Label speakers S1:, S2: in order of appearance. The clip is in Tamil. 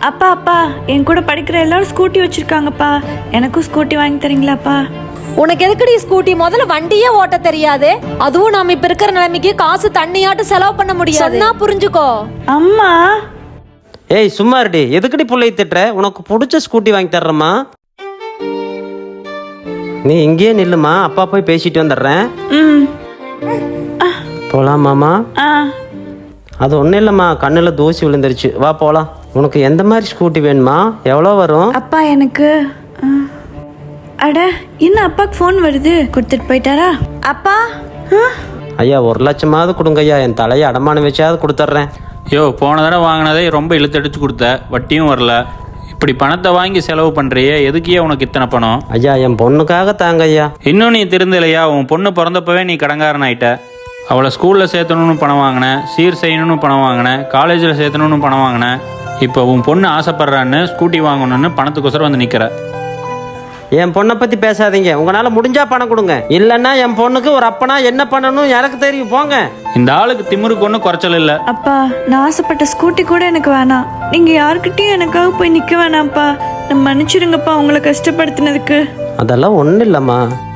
S1: அப்பா அப்பா என் கூட படிக்கிற எல்லாரும் ஸ்கூட்டி வச்சிருக்காங்கப்பா. எனக்கும் ஸ்கூட்டி வாங்கி தரீங்களாப்பா?
S2: உனக்கு எதுக்குடி ஸ்கூட்டி? முதல்ல வண்டியே ஓட்ட தெரியாது. அதுவும் நாம இப்ப இருக்கிற நிலைமைக்கு காசு தண்ணியாட்டு செலவு பண்ண முடியாது. சொன்னா புரிஞ்சுக்கோ.
S1: அம்மா
S3: ஏய் சும்மா இருடி, எதுக்கடி புள்ளைய திட்டுற? உனக்கு பிடிச்ச ஸ்கூட்டி வாங்கி தர்றேம்மா. நீ இங்கேயே நில்லுமா, அப்பா போய் பேசிட்டு வந்துடுறேன்.
S1: ம்
S3: போலாமாமா?
S1: ஆ
S3: அது ஒன்றும் இல்லைம்மா, கண்ணில் தூசி விழுந்துருச்சு, வா போகலாம். உனக்கு எந்த மாதிரி ஸ்கூட்டி வேணுமா? எவ்வளோ வரும்?
S1: அப்பா எனக்கு அட என்ன அப்பாக்கு ஃபோன் வருது, கொடுத்துட்டு போயிட்டாரா? அப்பா
S3: ஐயா 1 லட்சமாவது கொடுங்க ஐயா, என் தலையை அடமானம் வச்சாவது கொடுத்துட்றேன்.
S4: யோ, போன தடவை வாங்கினதே ரொம்ப இழுத்தடிச்சு கொடுத்த, வட்டியும் வரல. இப்படி பணத்தை வாங்கி செலவு பண்ணுறியே, எதுக்கே உனக்கு இத்தனை பணம்?
S3: ஐயா என் பொண்ணுக்காக தாங்க ஐயா.
S4: இன்னும் நீ திருந்தலையா? உன் பொண்ணு பிறந்தப்பவே நீ கடங்காரன் ஆயிட்ட. அவளை ஸ்கூலில் சேர்த்தணும்னு பணம் வாங்கினேன், சீர் செய்யணும்னு பணம் வாங்கினேன், காலேஜில் சேர்த்தணும்னு பணம் வாங்கினேன். இப்போ உன் பொண்ணு ஆசைப்படுறான்னு ஸ்கூட்டி வாங்கணும்னு பணத்துக்கோசரம் வந்து நிற்கிற.
S3: என் பொண்ணை பற்றி பேசாதீங்க. உங்களால் முடிஞ்சா பணம் கொடுங்க, இல்லைன்னா என் பொண்ணுக்கு ஒரு அப்பனா என்ன பண்ணணும் எனக்கு தெரியும், போங்க.
S4: இந்த ஆளுக்கு திமிருக்கு ஒன்றும் குறைச்சல் இல்லை.
S1: அப்பா நான் ஆசைப்பட்ட ஸ்கூட்டி கூட எனக்கு வேணாம். நீங்க யாருக்கிட்டையும் எனக்காக போய் நிக்க வேணாம்ப்பா. நான் மன்னிச்சிடுங்கப்பா உங்களை கஷ்டப்படுத்தினதுக்கு.
S3: அதெல்லாம் ஒன்றும் இல்லைம்மா.